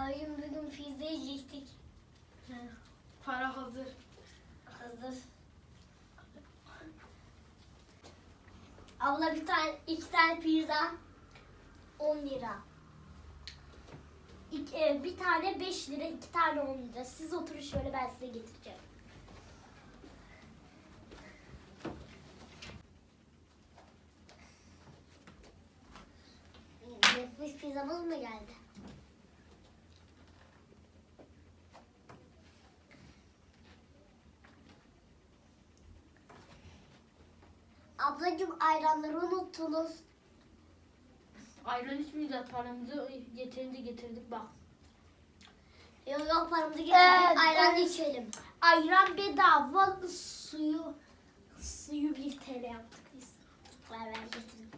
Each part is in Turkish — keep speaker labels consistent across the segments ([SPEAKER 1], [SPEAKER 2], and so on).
[SPEAKER 1] Abicim bugün pizza yiyecektik.
[SPEAKER 2] Para hazır.
[SPEAKER 1] Hazır. Abla iki tane pizza 10 lira. Bir tane 5 lira, iki tane 10 lira. Siz oturun şöyle, ben size getireceğim. Nefis pizzamız mı geldi? Ablacığım ayranları unuttunuz.
[SPEAKER 2] Ayran içmeyeceğiz, paramızı yeterince getirdik bak.
[SPEAKER 1] Yok paramızı getirdik. Ayran içelim. Ayran bedava, suyu 1 TL yaptık biz. Ver getirdim.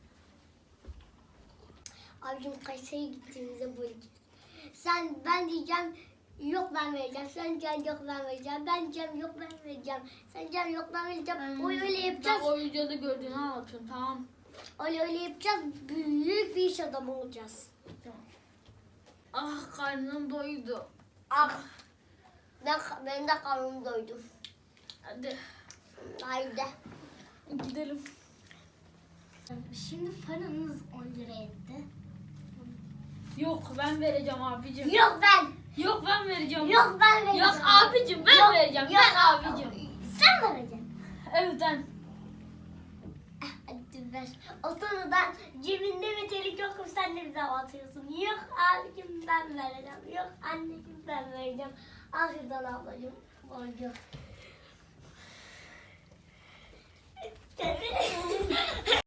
[SPEAKER 1] Abicim Kayseri'ye gittiğimizde böleceğiz. Ben diyeceğim yok ben vereceğim. Sen diyeceksin yok ben vereceğim. Ben diyeceğim yok ben vereceğim. Sen diyeceksin yok ben vereceğim. Öyle yapacağız.
[SPEAKER 2] Ben o videoda gördüğünü anlatıyorum, tamam.
[SPEAKER 1] Öyle yapacağız. Büyük bir iş adamı olacağız.
[SPEAKER 2] Tamam. Ah, karnım doydu.
[SPEAKER 1] Ah. Benim de karnım doydu.
[SPEAKER 2] Hadi
[SPEAKER 1] Haydi.
[SPEAKER 2] gidelim.
[SPEAKER 1] Şimdi paranız 10 lira etti.
[SPEAKER 2] Yok, ben vereceğim abicim.
[SPEAKER 1] Yok ben.
[SPEAKER 2] Yok, ben vereceğim.
[SPEAKER 1] Yok ben vereceğim.
[SPEAKER 2] Yok abicim, ben vereceğim.
[SPEAKER 1] Yok,
[SPEAKER 2] Ben abicim.
[SPEAKER 1] Sen vereceksin.
[SPEAKER 2] Evet ben.
[SPEAKER 1] Hadi ver. O konudan cebinde metelik yokum, sen de bize atıyorsun. Yok abicim ben vereceğim. Yok anneciğim ben vereceğim. Al şuradan ablacığım. Borcu.